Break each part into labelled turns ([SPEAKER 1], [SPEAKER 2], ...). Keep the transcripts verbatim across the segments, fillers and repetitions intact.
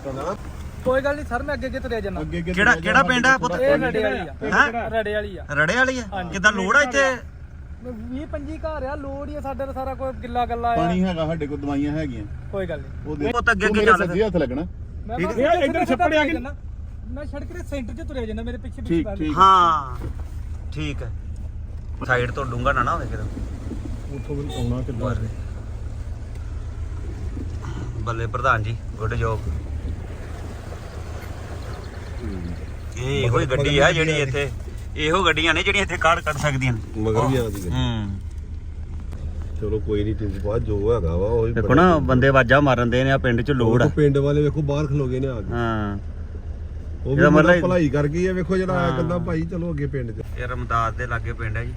[SPEAKER 1] ਕੋਈ ਗੱਲ ਨਹੀਂ ਸਰ, ਮੈਂ ਅੱਗੇ ਅੱਗੇ ਤੁਰਿਆ ਜਾਣਾ।
[SPEAKER 2] ਕਿਹੜਾ ਕਿਹੜਾ ਪਿੰਡ ਆ ਪੁੱਤ?
[SPEAKER 1] ਇਹ ਰੜੇ ਵਾਲੀ ਆ।
[SPEAKER 2] ਹੈਂ?
[SPEAKER 1] ਰੜੇ ਵਾਲੀ ਆ।
[SPEAKER 2] ਰੜੇ ਵਾਲੀ ਆ? ਕਿੱਦਾਂ ਲੋੜ ਆ ਇੱਥੇ?
[SPEAKER 1] ਵੀਹ ਪੰਜੀ ਘਰ ਆ, ਲੋੜ ਹੀ ਆ ਸਾਡੇ ਦਾ ਸਾਰਾ ਕੋਈ ਗਿੱਲਾ ਗੱਲਾ ਆ।
[SPEAKER 3] ਪਾਣੀ ਹੈਗਾ ਸਾਡੇ ਕੋਲ, ਦਵਾਈਆਂ ਹੈਗੀਆਂ।
[SPEAKER 1] ਕੋਈ ਗੱਲ ਨਹੀਂ,
[SPEAKER 3] ਉਹਦੇ
[SPEAKER 2] ਪੁੱਤ ਅੱਗੇ ਅੱਗੇ ਚੱਲ
[SPEAKER 3] ਸੱਜੇ ਹੱਥ ਲੱਗਣਾ।
[SPEAKER 1] ਮੈਂ
[SPEAKER 2] ਠੀਕ
[SPEAKER 1] ਬਸ
[SPEAKER 4] ਹੈ। ਇੱਧਰ ਛੱਪੜ ਆ ਕੇ
[SPEAKER 1] ਮੈਂ ਸੜਕ ਦੇ ਸੈਂਟਰ 'ਚ ਤੁਰਿਆ ਜਾਣਾ, ਮੇਰੇ ਪਿੱਛੇ
[SPEAKER 3] ਠੀਕ
[SPEAKER 1] ਪਿੱਛੇ
[SPEAKER 3] ਠੀਕ
[SPEAKER 2] ਹਾਂ ਠੀਕ ਹੈ। ਸਾਈਡ ਤੋਂ ਡੂੰਗਾ ਨਾ ਨਾ ਹੋਵੇ ਕਿਤੇ।
[SPEAKER 4] ਉੱਥੋਂ ਵੀ ਆਉਣਾ ਕਿੱਦਾਂ?
[SPEAKER 2] ਬੱਲੇ ਪ੍ਰਧਾਨ ਜੀ, ਗੁੱਡ ਜੋਬ। ਇਹ ਇਹੋ ਹੀ ਗੱਡੀ ਆ ਜਿਹੜੀ ਇੱਥੇ, ਇਹੋ ਗੱਡੀਆਂ ਨੇ ਜਿਹੜੀਆਂ ਇੱਥੇ ਕਾਢ ਕੱਢ ਸਕਦੀਆਂ ਨੇ।
[SPEAKER 3] ਮਗਰ ਵੀ ਆਉਂਦੀ ਹੈ।
[SPEAKER 2] ਹੂੰ
[SPEAKER 3] ਚਲੋ ਕੋਈ ਨਹੀਂ, ਟਿੰਕੂ ਬਾਅਦ ਜੋ ਹੈਗਾ ਵਾ ਉਹ
[SPEAKER 2] ਦੇਖੋ ਨਾ, ਬੰਦੇ ਆਵਾਜ਼ਾਂ ਮਾਰਨ ਦੇ ਨੇ ਆ, ਪਿੰਡ 'ਚ ਲੋੜ ਆ।
[SPEAKER 3] ਪਿੰਡ ਵਾਲੇ ਵੇਖੋ ਬਾਹਰ ਖਲੋਗੇ ਨੇ ਆ ਕੇ।
[SPEAKER 2] ਹਾਂ
[SPEAKER 3] ਉਹ
[SPEAKER 2] ਇਹਦਾ
[SPEAKER 3] ਵੀ
[SPEAKER 2] ਮਤਲਬ-
[SPEAKER 3] ਮਤਲਬ ਭਲਾਈ ਕਰ ਗਈ ਹੈ। ਵੇਖੋ ਜਿਹੜਾ ਆਇਆ
[SPEAKER 2] ਹਾਂ।
[SPEAKER 3] ਕਹਿੰਦਾ ਭਾਈ ਚਲੋ ਅੱਗੇ ਪਿੰਡ 'ਚ।
[SPEAKER 2] ਇਹ ਰਮਦਾਸ ਦੇ ਲਾਗੇ ਪਿੰਡ ਹੈ ਜੀ।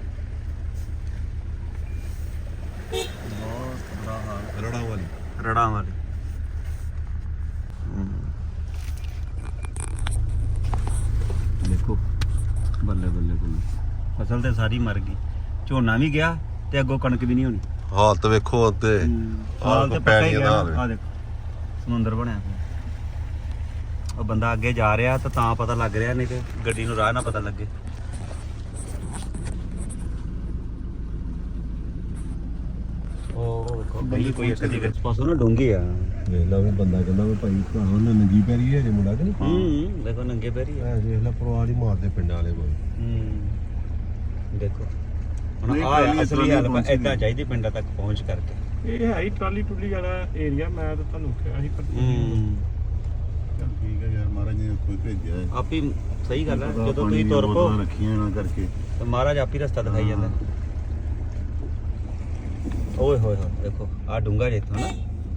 [SPEAKER 3] ਰੜਾ ਵਾਲੀ
[SPEAKER 2] ਰੜਾਂ ਵਾਲੀ। ਦੇਖੋ ਬੱਲੇ ਬੱਲੇ ਬੱਲੇ, ਫਸਲ ਤੇ ਸਾਰੀ ਮਰ ਗਈ, ਝੋਨਾ ਵੀ ਗਿਆ ਤੇ ਅੱਗੋਂ ਕਣਕ ਵੀ ਨਹੀਂ ਹੋਣੀ।
[SPEAKER 3] ਹਾਲਤ ਵੇਖੋ ਤੇ
[SPEAKER 2] ਹਾਲ ਤੇ ਪੱਕਾ ਹੀ
[SPEAKER 3] ਪੈਣੀਆਂ
[SPEAKER 2] ਗਿਆ।
[SPEAKER 3] ਦਾ ਹਾਲ
[SPEAKER 2] ਆ ਦੇਖੋ ਸਮੁੰਦਰ ਬਣਿਆ ਪਿਆ। ਉਹ ਬੰਦਾ ਅੱਗੇ ਜਾ ਰਿਹਾ ਤਾਂ ਤਾਂ ਪਤਾ ਲੱਗ ਰਿਹਾ, ਨਹੀਂ ਤੇ ਗੱਡੀ ਨੂੰ ਰਾਹ ਨਾ ਪਤਾ ਲੱਗੇ। ਉਹ ਬਈ ਕੋਈ ਇੱਕ ਦੀ ਵਿੱਚ ਪਾਸੋਂ ਨਾ ਡੂੰਗੀ ਆ।
[SPEAKER 3] ਵੇਖ ਲਾ ਵੀ ਬੰਦਾ ਕਹਿੰਦਾ ਵੀ ਭਾਈ ਭਰਾ ਉਹਨੇ ਨੰਗੀ ਪੈਰੀ ਹੈ ਜੇ ਮੁੰਡਾ ਕਿ ਨਹੀਂ।
[SPEAKER 2] ਹੂੰ ਦੇਖੋ ਨੰਗੇ ਪੈਰੀ ਆ।
[SPEAKER 3] ਐ ਵੇਖ ਲੈ ਪਰਿਵਾਰ ਹੀ ਮਾਰਦੇ ਪਿੰਡਾਂ ਵਾਲੇ ਕੋਈ।
[SPEAKER 2] ਹੂੰ ਦੇਖੋ ਹੁਣ
[SPEAKER 3] ਨਹੀਂ,
[SPEAKER 2] ਆ
[SPEAKER 3] ਟਰਾਲੀ
[SPEAKER 2] ਅਸਲੀ
[SPEAKER 3] ਟਰਾਲੀ
[SPEAKER 2] ਹਾਲ
[SPEAKER 3] ਪਹੁੰਚ
[SPEAKER 2] ਏਦਾਂ ਚਾਹੀਦੀ ਪਿੰਡਾਂ ਤੱਕ ਪਹੁੰਚ ਕਰਕੇ।
[SPEAKER 4] ਇਹ ਹੈ ਹੀ ਟਰਾਲੀ ਟੁੱਲੀ ਵਾਲਾ ਏਰੀਆ। ਮੈਂ ਤਾਂ ਤੁਹਾਨੂੰ ਕਿਹਾ ਸੀ ਪਰ
[SPEAKER 2] ਹੂੰ
[SPEAKER 3] ਚੱਲ ਠੀਕ ਹੈ ਯਾਰ, ਮਹਾਰਾਜ ਨੇ ਕੋਈ ਭੇਜਿਆ ਹੈ।
[SPEAKER 2] ਆਪ ਹੀ ਸਹੀ ਗੱਲ ਹੈ, ਜਦੋਂ ਤੁਸੀਂ ਤੁਰ ਪੋ
[SPEAKER 3] ਰੱਖੀਆਂ ਨਾ ਕਰਕੇ।
[SPEAKER 2] ਤੇ ਮਹਾਰਾਜ ਆਪ ਹੀ ਰਸਤਾ ਦਿਖਾਈ ਜਾਂਦਾ। ਓਏ ਹੋਏ ਹੋਏ ਦੇਖੋ ਆ ਡੂੰਗਾ ਜੇ ਇੱਥੋਂ ਨਾ।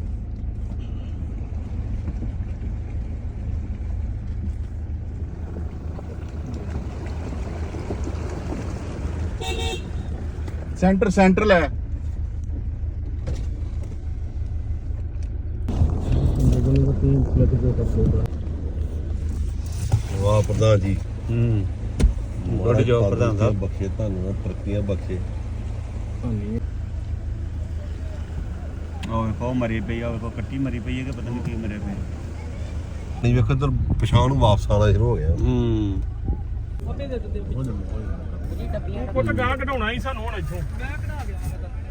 [SPEAKER 3] ਸੈਂਟਰ ਸੈਂਟਰ ਲੈ ਵਾਹ ਪ੍ਰਧਾਨ ਜੀ।
[SPEAKER 2] ਹੂੰ ਗੁੱਡ ਜੋਬ ਪ੍ਰਧਾਨ ਸਾਹਿਬ।
[SPEAKER 3] ਬਖਸ਼ੇ ਤੁਹਾਨੂੰ, ਤਰੱਕੀਆਂ ਬਖਸ਼ੇ।
[SPEAKER 2] ਉਹ ਵੇਖੋ ਮਰੀ ਪਈ ਆ, ਵੇਖੋ ਕੱਟੀ ਮਰੀ ਪਈ ਹੈ ਕਿ ਪਤਾ ਨਹੀਂ ਕੀ ਮਰੇ ਪਈ।
[SPEAKER 3] ਨਹੀਂ ਵੇਖੋ ਇਧਰ ਪਛਾਣ ਨੂੰ ਵਾਪਸ ਆਉਣਾ ਸ਼ੁਰੂ ਹੋ ਗਿਆ।
[SPEAKER 2] ਹੂੰ
[SPEAKER 1] ਉਹਦੇ ਦੇ ਦਿੱਤੇ
[SPEAKER 4] ਪੁੱਤ ਗਾਹ ਕਢਾਉਣਾ ਹੀ ਸਾਨੂੰ ਹੁਣ ਇੱਥੋਂ।
[SPEAKER 1] ਮੈਂ ਕਢਾ ਗਿਆ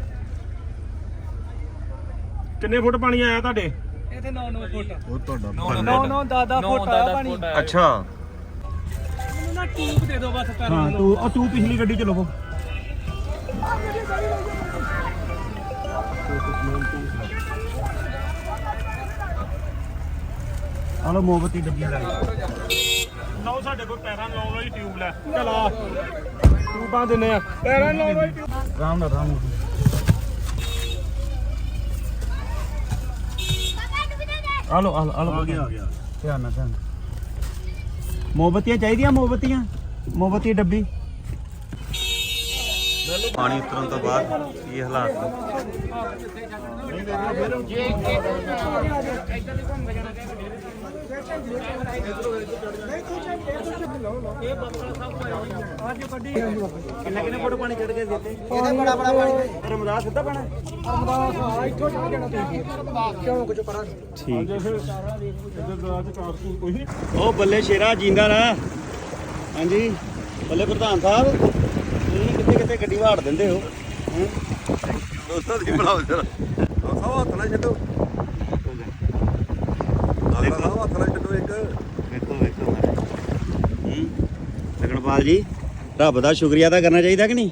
[SPEAKER 4] ਕਿੰਨੇ ਫੁੱਟ ਪਾਣੀ ਆਇਆ ਤੁਹਾਡੇ?
[SPEAKER 1] ਇੱਥੇ ਨੌ ਨੌ ਫੁੱਟ
[SPEAKER 3] ਉਹ ਤੁਹਾਡਾ
[SPEAKER 1] ਨੌ ਨੌ ਦਸ ਫੁੱਟ ਆਇਆ ਪਾਣੀ।
[SPEAKER 2] ਅੱਛਾ
[SPEAKER 1] ਮੈਨੂੰ ਨਾ ਟੂਬ ਦੇ ਦਿਓ ਬਸ ਪੈਰਾਂ
[SPEAKER 4] ਹਾਂ
[SPEAKER 1] ਨੂੰ।
[SPEAKER 4] ਤੂੰ ਆ ਤੂੰ ਪਿਛਲੀ ਗੱਡੀ ਚ ਲਵੋ।
[SPEAKER 2] ਆ ਲੋ ਮੋਮਬੱਤੀ ਡੱਬੀਆਂ ਲੈ
[SPEAKER 4] ਲਓ ਸਾਡੇ ਕੋਲ ਪੈਰਾਂ ਨੂੰ ਲਾਉਣ ਵਾਲੀ ਟਿਊਬ ਲੈ। ਚਲ ਆ ਟਿਊਬਾਂ ਦਿੰਨੇ ਆ, ਪੈਰਾਂ ਨੂੰ ਲਾਉਣ ਵਾਲੀ ਟਿਊਬ।
[SPEAKER 2] ਆਰਾਮ ਨਾਲ ਆਰਾਮ ਨਾਲ। ਆ ਲੋ ਆ ਲੋ ਆ ਲੋ
[SPEAKER 3] ਆ ਗਿਆ ਆ ਗਿਆ।
[SPEAKER 2] ਧਿਆਨ ਨਾਲ ਧਿਆਨ। ਮੋਮਬੱਤੀਆਂ ਚਾਹੀਦੀਆਂ, ਮੋਮਬੱਤੀਆਂ ਮੋਮਬੱਤੀ ਡੱਬੀ। ਪਾਣੀ ਉਤਰਨ ਤੋਂ ਬਾਅਦ ਇਹ ਹਾਲਾਤ ਕਿੰਨੇ ਕਿੰਨੇ ਫੁੱਟ ਪਾਣੀ ਚੜ ਕੇ ਦਿੱਤੇ?
[SPEAKER 1] ਇਹਦੇ ਬੜਾ ਬੜਾ ਪਾਣੀ
[SPEAKER 2] ਰਮਦਾਸ ਸਿੱਧਾ ਪਾਣਾ
[SPEAKER 1] ਅਰਮਦਾਸ ਆ ਇੱਥੋਂ ਚੜ ਜਾਣਾ ਤੁਸੀਂ ਕਿਉਂ ਕੁਝ ਪਰਾਂ।
[SPEAKER 2] ਠੀਕ।
[SPEAKER 4] ਇੱਧਰ ਦਰਾਜ ਕਾਰਸੂ ਕੋਈ ਨਹੀਂ।
[SPEAKER 2] ਉਹ ਬੱਲੇ ਸ਼ੇਰਾ ਜਿੰਦਾ ਨਾ। ਹਾਂਜੀ ਬੱਲੇ ਪ੍ਰਧਾਨ ਸਾਹਿਬ, ਤੁਸੀਂ ਕਿੱਥੇ ਕਿੱਥੇ ਗੱਡੀ ਵਾੜ ਦਿੰਦੇ ਹੋ। ਹੈਂ?
[SPEAKER 3] ਦੋਸਤਾਂ ਦੀ ਬਣਾਓ ਜਰਾ। ਦੋਸਤਾਂ ਹੱਥ ਨਾ ਛੱਡੋ। ਦੋਸਤਾਂ ਹੱਥ ਨਾ ਛੱਡੋ ਇੱਕ।
[SPEAKER 2] ਵੇਖੋ ਵੇਖੋ ਹੂੰ ਲਗਣਪਾਲ ਜੀ, ਰੱਬ ਦਾ ਸ਼ੁਕਰੀਆ ਤਾਂ ਕਰਨਾ ਚਾਹੀਦਾ ਕਿ ਨਹੀਂ?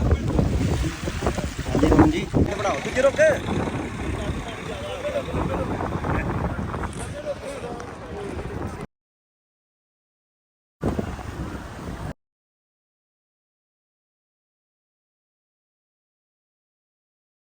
[SPEAKER 2] ਹਾਂਜੀ ਹਾਂਜੀ, ਇਹ ਬਣਾਓ ਤੁਸੀਂ ਰੁਕ।